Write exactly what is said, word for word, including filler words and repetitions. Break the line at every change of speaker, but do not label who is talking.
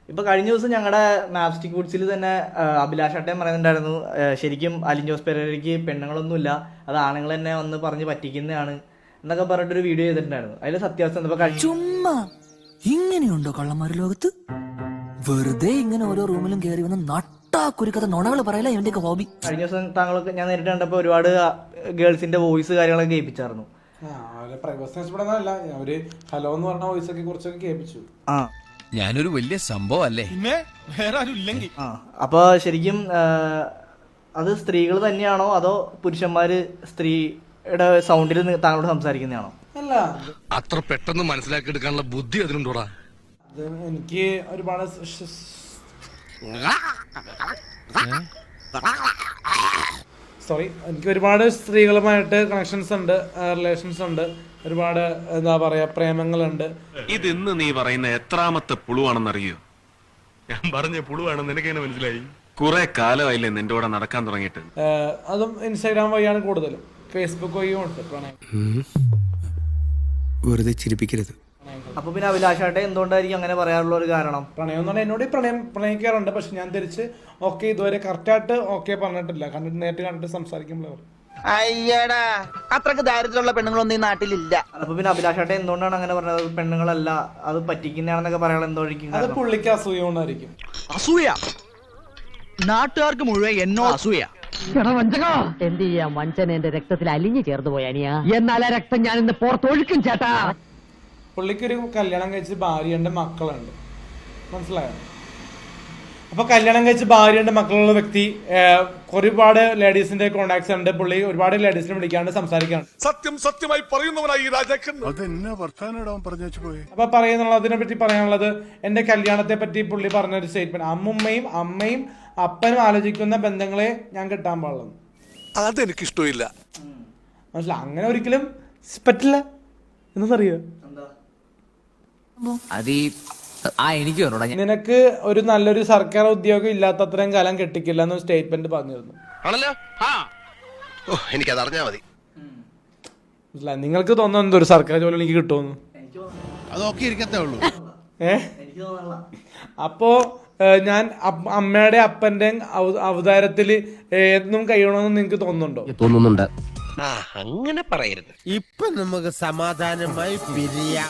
ഇപ്പൊ കഴിഞ്ഞ ദിവസം ഞങ്ങളുടെ മാപ്സ്റ്റിക് വുഡ്സിൽ തന്നെ അഭിലാഷ് അട്ടയം പറയുന്നുണ്ടായിരുന്നു, ശരിക്കും അലിൻ ജോസ് പെരേരയ്ക്ക് പെണ്ണുങ്ങളൊന്നുമില്ല, അത് ആണുങ്ങൾ തന്നെ വന്ന് പറഞ്ഞ് പറ്റിക്കുന്നതാണ് എന്നൊക്കെ പറഞ്ഞിട്ടൊരു വീഡിയോ ചെയ്തിട്ടുണ്ടായിരുന്നു. അതിൽ സത്യാവസ്ഥ
ചുമ്മാ ഇങ്ങനെയുണ്ടോ കള്ളന്മാര് ലോകത്ത്? വെറുതെ ഇങ്ങനെ ഓരോ റൂമിലും കയറി വന്ന് നട്ടാ കുരുക്കഥ നുണകൾ പറയല ഇവന്റെയൊക്കെ ഹോബി.
കഴിഞ്ഞ ദിവസം താങ്കളൊക്കെ ഞാൻ നേരിട്ട് കണ്ടപ്പോൾ ഒരുപാട് ഗേൾസിന്റെ വോയിസ് കാര്യങ്ങളൊക്കെ കേൾപ്പിച്ചായിരുന്നു.
ഹലോ എന്ന് പറഞ്ഞ വോയിസ് ഒക്കെ കുറച്ചൊക്കെ കേൾപ്പിച്ചു.
ആ
ഞാനൊരു വലിയ സംഭവം അല്ലേ,
ആ അപ്പൊ ശരിക്കും അത് സ്ത്രീകൾ തന്നെയാണോ അതോ പുരുഷന്മാര് സ്ത്രീയുടെ സൗണ്ടിൽ താങ്കളോട് സംസാരിക്കുന്നതാണോ?
അല്ല,
അത്ര പെട്ടെന്ന് മനസ്സിലാക്കി എടുക്കാനുള്ള ബുദ്ധി അതിനുണ്ടോടാ?
അത് എനിക്ക് ഒരുപാട് സോറി എനിക്ക് ഒരുപാട് സ്ത്രീകളുമായിട്ട് കണക്ഷൻസ് ഉണ്ട്, റിലേഷൻസ് ഉണ്ട്, ഒരുപാട് എന്താ പറയാ പ്രേമങ്ങളുണ്ട്.
ഇത് ഇന്ന് നീ പറയുന്ന എത്രാമത്തെ പുളുവാണെന്നറിയോ? ഞാൻ പറഞ്ഞ പുളുവാണെന്ന് നിനക്കെങ്ങനെ മനസ്സിലായി? കുറെ കാലമായില്ലേ നിന്റെ കൂടെ നടക്കാൻ തുടങ്ങിയിട്ട്?
അതും ഇൻസ്റ്റാഗ്രാം വഴിയാണ് കൂടുതലും, ഫേസ്ബുക്ക് വഴിയും ഉണ്ട് പ്രണയം.
വെറുതെ ചിരിപ്പിക്കരുത്.
അപ്പൊ പിന്നെ അഭിലാഷാട്ടെ എന്തുകൊണ്ടായിരിക്കും അങ്ങനെ പറയാനുള്ള ഒരു കാരണം?
പ്രണയം എന്ന് പറഞ്ഞാൽ എന്നോട് പ്രണയം പ്രണയിക്കാറുണ്ട്, പക്ഷെ ഞാൻ തിരിച്ച് ഓക്കെ ഇതുവരെ കറക്റ്റായിട്ട് ഓക്കെ പറഞ്ഞിട്ടില്ല. കണ്ടിട്ട് നേരിട്ട് കണ്ടിട്ട് സംസാരിക്കുമ്പോൾ
അയ്യടാ അത്രക്ക് ദാരിദ്ര്യമുള്ള പെണ്ണുങ്ങളൊന്നും ഈ നാട്ടിലില്ല.
അപ്പൊ പിന്നെ അഭിലാഷാട്ടെ എന്തുകൊണ്ടാണ് അങ്ങനെ പറഞ്ഞത്? പെണ്ണുങ്ങളല്ല, അത് പറ്റിക്കുന്നതാണെന്നൊക്കെ പറയാൻ എന്തോഴിക്കും?
അത് പുള്ളിക്ക് അസൂയ കൊണ്ടായിരിക്കും.
അസൂയ? നാട്ടുകാർക്ക് മുഴുവൻ എന്നോ അസൂയ.
എന്ത് ചെയ്യാം, വഞ്ചന എന്റെ രക്തത്തിൽ അലിഞ്ഞു ചേർന്ന് പോയ അനിയാ. എന്നാൽ ആ രക്തം ഞാൻ ഇന്ന് പുറത്തൊഴുക്കും ചേട്ടാ.
പുള്ളിക്കൊരു കല്യാണം കഴിച്ച് ഭാര്യയുണ്ട്, മക്കളുണ്ട്, മനസ്സിലായോ? അപ്പൊ കല്യാണം കഴിച്ച് ഭാര്യയുണ്ട്, മക്കളുള്ള വ്യക്തി ഒരുപാട് ലേഡീസിന്റെ കോണ്ടാക്ട്സ് ഉണ്ട്. പുള്ളി ഒരുപാട് ലേഡീസിനെ വിളിക്കാണ്ട് സംസാരിക്കാണ്.
സത്യം സത്യമായി പറയുന്നവനായി ഈ രാജാക്കൻ.
അപ്പൊ പറയുന്നുള്ളതിനെ പറ്റി പറയാനുള്ളത്, എന്റെ കല്യാണത്തെ പറ്റി പുള്ളി പറഞ്ഞൊരു സ്റ്റേറ്റ്മെന്റ്, അമ്മുമ്മയും അമ്മയും അപ്പനും ആലോചിക്കുന്ന ബന്ധങ്ങളെ ഞാൻ കിട്ടാൻ പാടുള്ളൂ.
അതെനിക്ക് ഇഷ്ടമില്ല.
മനസ്സിലായി? അങ്ങനെ ഒരിക്കലും പറ്റില്ല എന്നറിയോ? നിനക്ക് ഒരു നല്ലൊരു സർക്കാർ ഉദ്യോഗം ഇല്ലാത്തത്രയും കാലം കെട്ടിക്കില്ല എന്ന് സ്റ്റേറ്റ്മെന്റ് പറഞ്ഞിരുന്നു.
എനിക്കത് അറിഞ്ഞാ മതി.
മനസ്സിലായി? നിങ്ങൾക്ക് തോന്നുന്നു ഒരു സർക്കാർ ജോലി എനിക്ക് കിട്ടുമെന്ന്?
അതൊക്കെ ഇരിക്കത്തേ ഉള്ളൂ.
ഏ അപ്പോ ഞാൻ അമ്മയുടെ അപ്പന്റെ അവതാരത്തില് എന്നും കഴിയണമെന്ന് നിങ്ങക്ക് തോന്നുന്നുണ്ടോ?
തോന്നുന്നുണ്ട്.
അങ്ങനെ പറയരുത്.
ഇപ്പൊ നമുക്ക് സമാധാനമായി പിരിയാം.